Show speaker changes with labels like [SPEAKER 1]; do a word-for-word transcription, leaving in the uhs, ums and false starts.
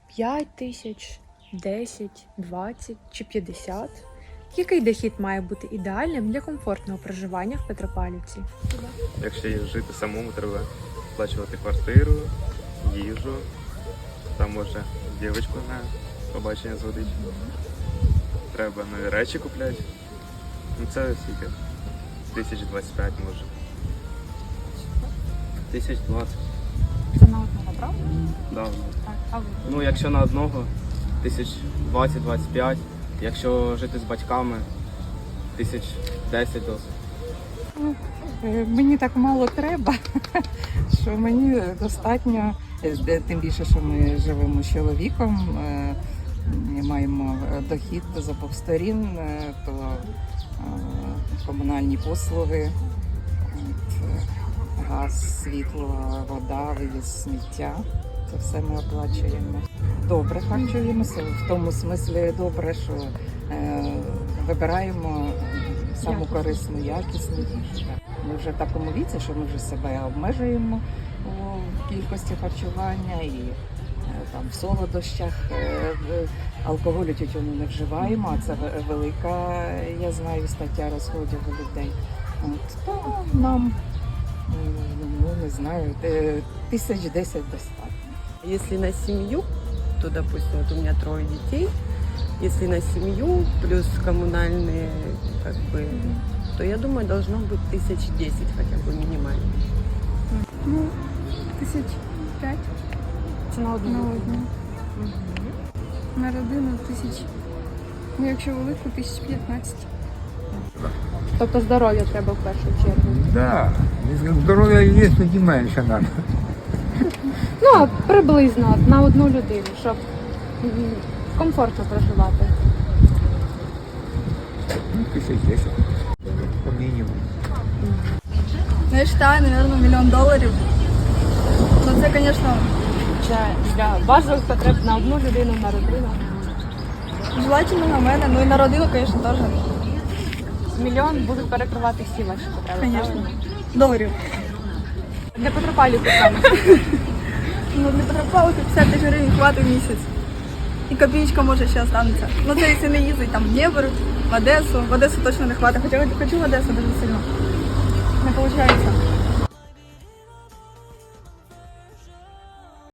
[SPEAKER 1] п'ять тисяч, десять, двадцять чи п'ятдесят? Який дохід має бути ідеальним для комфортного проживання в Петропавлівці?
[SPEAKER 2] Якщо жити самому, треба сплачувати квартиру, їжу, там може дівчинку на побачення зводити. Треба нові речі купляти. Ну це скільки? Тисяч двадцять п'ять може.
[SPEAKER 3] Тисяч двадцять.
[SPEAKER 1] Це на одного, правда?
[SPEAKER 3] Да.
[SPEAKER 1] Так, а ви?
[SPEAKER 3] Ну, якщо на одного, тисяч двадцять двадцять п'ять. Якщо жити з батьками, тисяч десять досить.
[SPEAKER 4] Е, Мені так мало треба, що мені достатньо, е, тим більше, що ми живемо з чоловіком, е, маємо дохід з обох сторін, е, то е, комунальні послуги, от, е, газ, світло, вода, вивіз сміття. Це все ми оплачуємо. Добре харчуємося, в тому смислі добре, що е, вибираємо саму корисну, якісну їжу. Ми вже в такому віці, що ми вже себе обмежуємо у кількості харчування і е, там в солодощах, е, в- алкоголю, тютюну не вживаємо, а це ве- велика, я знаю, стаття розходів у людей. От, то нам, е, ну не знаю, е, тисяч десять достатньо.
[SPEAKER 5] Если на семью, то, допустим, вот у меня трое детей, если на семью плюс коммунальные, как бы, то я думаю, должно быть тысяч десять хотя бы минимально.
[SPEAKER 6] Ну, тисяч п'ять
[SPEAKER 1] Це на одну.
[SPEAKER 6] на одну. На родину тисяч. Ну, якщо велику, тисяч п'ятнадцять.
[SPEAKER 1] Тобто здоров'я треба в першу чергу.
[SPEAKER 7] Да, если здоровье есть, тоді менше надо.
[SPEAKER 1] Ну, а приблизно на одну людину, щоб м, комфортно проживати.
[SPEAKER 7] Ну, тисяч десять. По мінімуму.
[SPEAKER 6] Ну, я вважаю, мабуть, мільйон доларів. Ну, це, звісно,
[SPEAKER 1] Для, для базових потреб на одну людину, на родину.
[SPEAKER 6] желательно на мене. Ну і на родину, звісно, теж.
[SPEAKER 1] Мільйон будуть перекривати всі ваші потреби.
[SPEAKER 6] Звісно.
[SPEAKER 1] правильно?
[SPEAKER 6] Доларів.
[SPEAKER 1] Для Петропавлівки саме.
[SPEAKER 6] Ну, для Петропавлівки п'ятдесят тисяч гривень хватить в місяць. І копійка може ще останеться. Ну, це якщо не їздить там в Дніпр, в Одесу. В Одесу точно не хватить. Хоча хочу в Одесу дуже сильно. Не виходить.